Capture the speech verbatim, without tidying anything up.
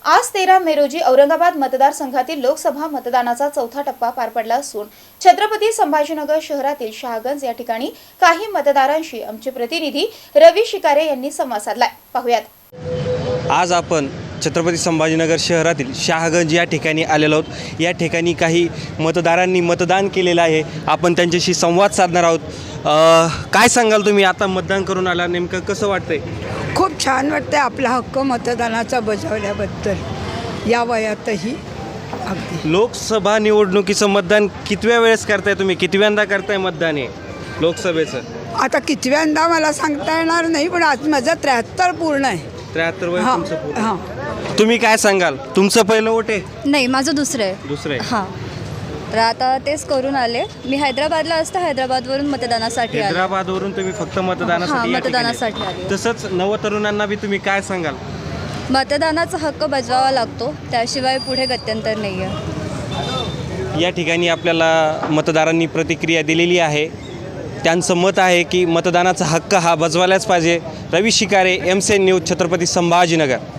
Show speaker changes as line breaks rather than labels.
आज तेरा मे रोजी औरंगाबाद मतदारसंघातील लोकसभा मतदानाचा चौथा टप्पा पार पडला असून छत्रपती संभाजीनगर शहरातील शहागंज या ठिकाणी काही मतदारांशी आमचे प्रतिनिधी रवी शिकारे यांनी संवाद साधलाय। पाहूयात।
आज आपण छत्रपती संभाजीनगर शहरातील शहागंज या ठिकाणी आलेलो आहोत। या ठिकाणी काही मतदारांनी मतदान केलेलं आहे। आपण त्यांच्याशी संवाद साधणार आहोत। काय सांगाल तुम्ही, आता मतदान करून आला, नेमकं कसं वाटतंय?
खूप छान वाटतंय आपला हक्क मतदानाचा बजावल्याबद्दल या वयातही। अगदी
लोकसभा निवडणुकीचं मतदान कितव्या वेळेस करताय तुम्ही? कितव्यांदा करताय मतदान हे लोकसभेचं?
आता कितव्यांदा मला सांगता येणार नाही, पण आज माझं त्र्याहत्तर पूर्ण आहे।
त्र्याहत्तर वय
हां
तुमचं पूर्ण?
हां।
तुम्ही काय सांगाल? तुमचं पहिलं वोट आहे?
नाही, माझं दुसरं आहे।
दुसरं आहे?
हां, तर आता तेच करून आले। मी हैदराबादला असता हैदराबादवरून मतदानासाठी आले।
हैदराबादवरून तुम्ही फक्त मतदानासाठी
हां,
या ठिकाणी
मतदानासाठी आले।
तसंच नवतरुणांना बी तुम्ही काय सांगाल?
मतदानाचा हक्क बजवावा लागतो, त्याशिवाय पुढे गत्यंतर नाही आहे।
या ठिकाणी आपल्याला मतदारांनी प्रतिक्रिया दिलेली आहे। त्यांचं मत आहे की मतदानाचा हक्क हा बजवायलाच पाहिजे। Ravi Shikare, M C N news, Chhatrapati Sambhajinagar.